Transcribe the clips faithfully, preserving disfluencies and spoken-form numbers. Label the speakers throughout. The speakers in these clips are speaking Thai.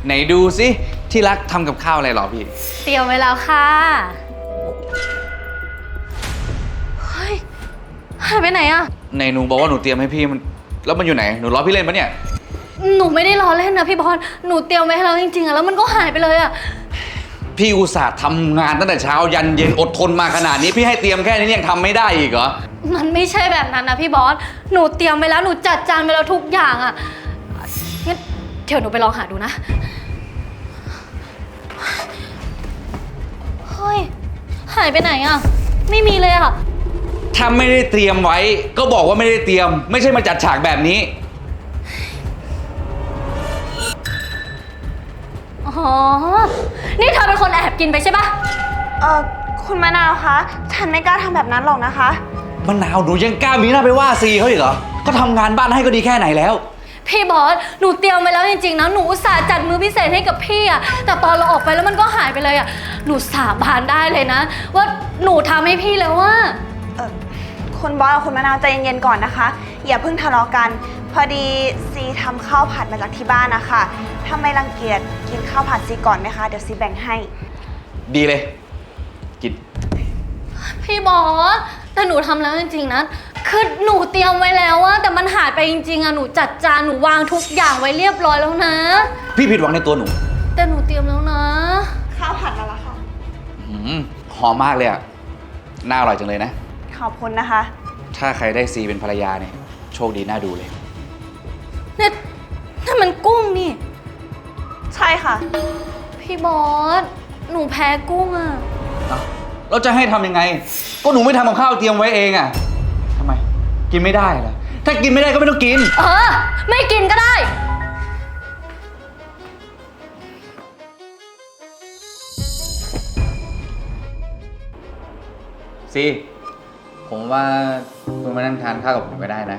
Speaker 1: ไหนดูสิที่รักทำกับข้าวอะไรหรอพี่
Speaker 2: เตรียมไว้แล้วค่ะเฮ้ยหายไปไหนอะ
Speaker 1: ไหนหนูบอกว่าหนูเตรียมให้พี่มันแล้วมันอยู่ไหนหนูล้อพี่เล่นปะเนี่ย
Speaker 2: หนูไม่ได้ล้อเล่นนะพี่บอลหนูเตรียมไว้ให้เราจริงๆอะแล้วมันก็หายไปเลยอะ
Speaker 1: พี่อุตส่าห์ทำงานตั้งแต่เช้ายันเย็นอดทนมาขนาดนี้พี่ให้เตรียมแค่นี้ยังทำไม่ได้อีกเหรอ
Speaker 2: มันไม่ใช่แบบนั้นนะพี่บอสหนูเตรียมไว้แล้วหนูจัดจานไว้แล้วทุกอย่างอะงั้นเดี๋ยวหนูไปลองหาดูนะเฮ้ยหายไปไหนอะไม่มีเลยอะ
Speaker 1: ถ้าไม่ได้เตรียมไว้ก็บอกว่าไม่ได้เตรียมไม่ใช่มาจัดฉากแบบนี้
Speaker 2: อ๋อนี่เธอเป็นคนแอบกินไปใช่ปะ
Speaker 3: เออคุณมะนาวคะฉันไม่กล้าทำแบบนั้นหรอกนะคะ
Speaker 1: มะนาวหนูยังกล้ามีหน้าไปว่าซีเขาอีกเหรอก็ทำงานบ้านให้ก็ดีแค่ไหนแล้ว
Speaker 2: พี่บอสหนูเตรียมไว้แล้วจริงๆนะหนูอุตส่าห์จัดมื้อพิเศษให้กับพี่อะแต่ตอนเราออกไปแล้วมันก็หายไปเลยอะหนูสาบานได้เลยนะว่าหนูทำให้พี่แล้วว่า
Speaker 3: เออคุณบอสกับคุณมะนาวใจเย็นๆก่อนนะคะอย่าเพิ่งทะเลาะกันพอดีซีทำข้าวผัดมาจากที่บ้านนะคะถ้าไม่รังเกียจกินข้าวผัดซีก่อนไหมคะเดี๋ยวซีแบ่งให้
Speaker 1: ดีเลยกิน
Speaker 2: พี่บอสแต่หนูทำแล้วจริงๆนะคือหนูเตรียมไว้แล้วอะแต่มันหายไปจริงๆอะหนูจัดจานหนูวางทุกอย่างไว้เรียบร้อยแล้วนะ
Speaker 1: พี่ผิดหวังในตัวหนู
Speaker 2: แต่หนูเตรียมแล้วนะ
Speaker 3: ข้าวผัดมาแล้วค่ะ
Speaker 1: อืมหอมมากเลยอะน่าอร่อยจังเลยนะ
Speaker 3: ขอบคุณนะคะ
Speaker 1: ถ้าใครได้ซีเป็นภรรยาเนี่ยโชคดีน่าดูเลย
Speaker 2: เนี่ยนั่นมันกุ้งนี่
Speaker 3: ใช่ค่ะ
Speaker 2: พี่บอสหนูแพ้กุ้งอะ
Speaker 1: เราจะให้ทำยังไงก็หนูไม่ทำกับข้าวเตรียมไว้เองอะทำไมกินไม่ได้เหรอถ้ากินไม่ได้ก็ไม่ต้องกิน
Speaker 2: เออไม่กินก็ได้
Speaker 1: ซีผมว่าคุณมานั่งทานข้าวกับผมก็ได้นะ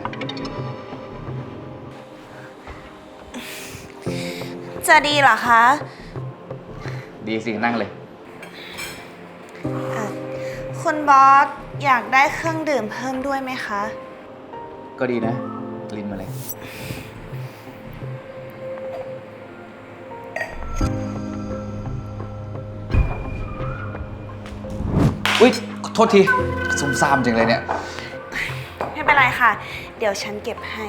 Speaker 3: จะดีเหรอคะ
Speaker 1: ดีสินั่งเลย
Speaker 3: คุณบอสอยากได้เครื่องดื่มเพิ่มด้วยไหมคะ
Speaker 1: ก็ดีนะลิ้นมาเลยอุ๊ยโทษทีซุ่มซ่ามจริงเลยเนี่ย
Speaker 3: ไม่เป็นไรค่ะเดี๋ยวฉันเก็บให้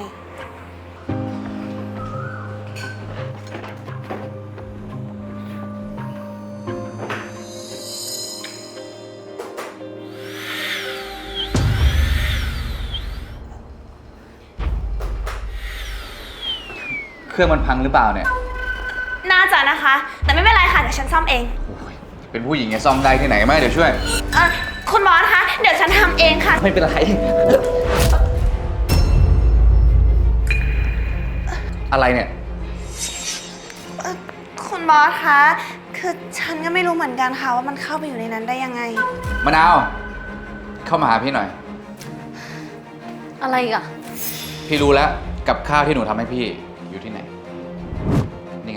Speaker 1: เครื่องมันพังหรือเปล่าเนี่ย
Speaker 3: น่าจะนะคะแต่ไม่เป็นไรค่ะเดี๋ยวฉันซ่อมเอง
Speaker 1: เป็นผู้หญิงจะซ่อมได้ที่ไหนไหมเดี๋ยวช่วย
Speaker 3: เออคุณบอสคะเดี๋ยวฉันทำเองค่ะ
Speaker 1: ไม่เป็นไรอะไรเนี่ย
Speaker 3: คุณบอสคะคือฉันก็ไม่รู้เหมือนกันค่ะว่ามันเข้าไปอยู่ในนั้นได้ยังไง
Speaker 1: มะนาวเข้ามาหาพี่หน่อย
Speaker 2: อะไรอีกอะ
Speaker 1: พี่รู้แล้วกับข้าวที่หนูทำให้พี่อยู่ที่ไหนนี่ไง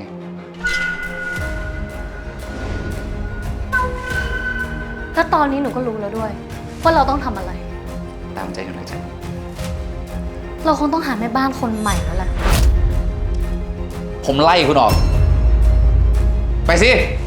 Speaker 2: แล้วตอนนี้หนูก็รู้แล้วด้วยว่าเราต้องทำอะไร
Speaker 1: ตามใจหนูนะจ๊ะ
Speaker 2: เราคงต้องหาแม่บ้านคนใหม่แล้วแหละ
Speaker 1: ผมไล่คุณออกไปสิ